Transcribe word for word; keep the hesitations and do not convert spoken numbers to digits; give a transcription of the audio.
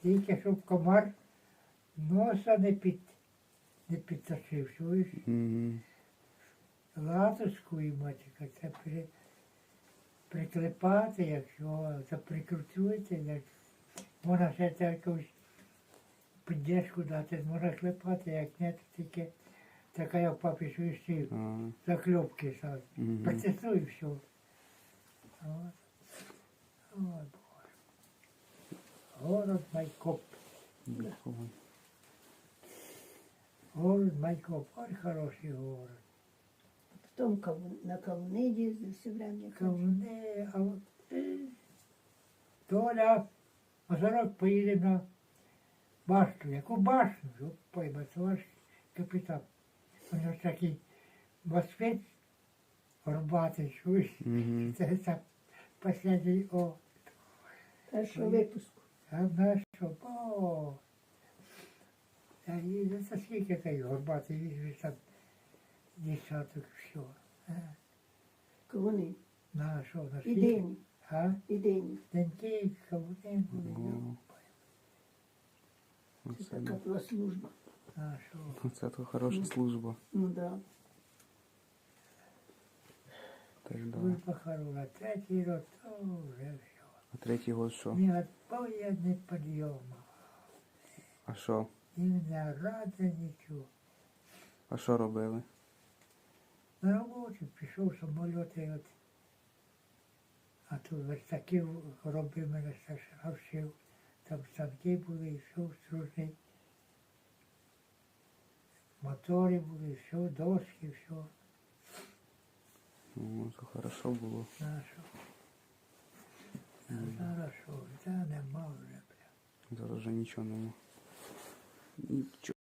Тільки щоб комар носа не під, не підточив, чуєш? Угу. Латочку і матіка, це при, приклепати, якщо це прикрутуєте, як можна ще це якусь піддержку дати, можна клепати, як не, то тільки така як папі швидші А, закльопки сам. угу. Протестуй і все. От. Ой, Боже. Город Майкоп. Дякую. Город Майкоп. Ой, хороший город. Потом кавун- на кавуни їздив все время. Кавуни, а от, е, Толя, Мазарок поїде на башту. Яку башту? Щоб пойма, це ваш капітан. У нього такий москвич горбатий, чуєш? Угу. Це так последній, о, Першого випуску. а наш, що, о, а і це скільки той горбатий, візьмеш там десяток, все. Кавуни. На що, на І скільки? дині. А? І дині. Деньки, кавуни були, О. Це Оце, така да. була служба. на що. Оце то хороша служба. Ну да. Так, да. Служба хороша, третій рік, то вже все. А третій год що? Ні отбоя, ні підйому. А що? І не рада нічого. А що робили? На роботі пішов самоліти, от, а тут верстаків робив мене старшина вчив. Там станки були, і все стружний. Мотори були, все, доски, все. Ну, то хорошо було. Нащо? А зараз що, та нема вже. Зараз вже нічого нема. Нічого.